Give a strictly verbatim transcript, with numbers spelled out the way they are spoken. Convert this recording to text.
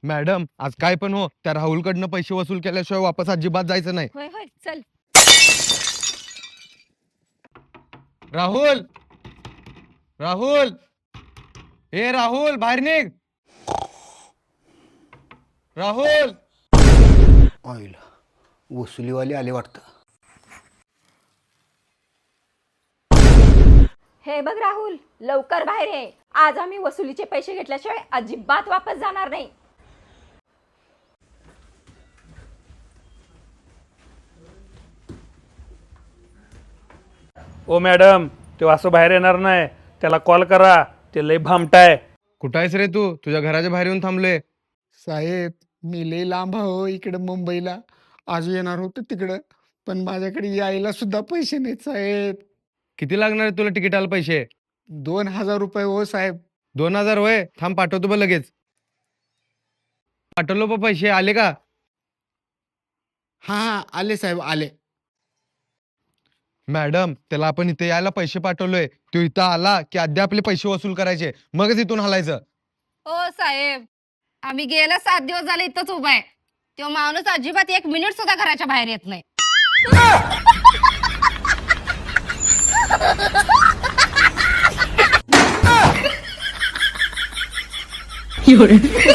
Madam आज काय पण हो, त्या राहुलकडनं पैसे वसूल केल्याशिवाय वापस अजिबात जायचं नाही. होय होय चल. राहुल, राहुल, ए राहुल बाहेर निघ. राहुल. ऑइल वसुलीवाले आले वाटतं. हे बघ राहुल, लवकर बाहेर ये. आज आम्ही वसुलीचे पैसे घेतल्याशिवाय अजिबात वापस जाणार नाही. ओ मॅडम, तो असं बाहेर येणार नाही, त्याला कॉल करा, ते लय भामटाय. कुठं आहेस रे तू? तुझ्या घराच्या बाहेर येऊन थांबलोय. साहेब मी लय लांब हो इकडं मुंबईला. आज येणार होतं तिकडं, पण माझ्याकडे यायला सुद्धा पैसे नाहीत साहेब. किती लागणार आहे तुला तिकिटाला पैसे? दोन हजार रुपये हो साहेब. दोन हजार होय, थांब पाठवतो बघ लगेच. पाठवलो बघ पैसे, आले का? हां हां आले साहेब आले. मॅडम त्याला आपण इथे यायला पैसे पाठवलोय, तो इथं आला की आधी आपले पैसे वसूल करायचे, मगच इथून हलायचं. ओ साहेब, आम्ही गेल्या सात दिवस झाले इथंच उभा आहे. तो माणूस अजिबात एक मिनिट सुद्धा घराच्या बाहेर येत नाही. एवढे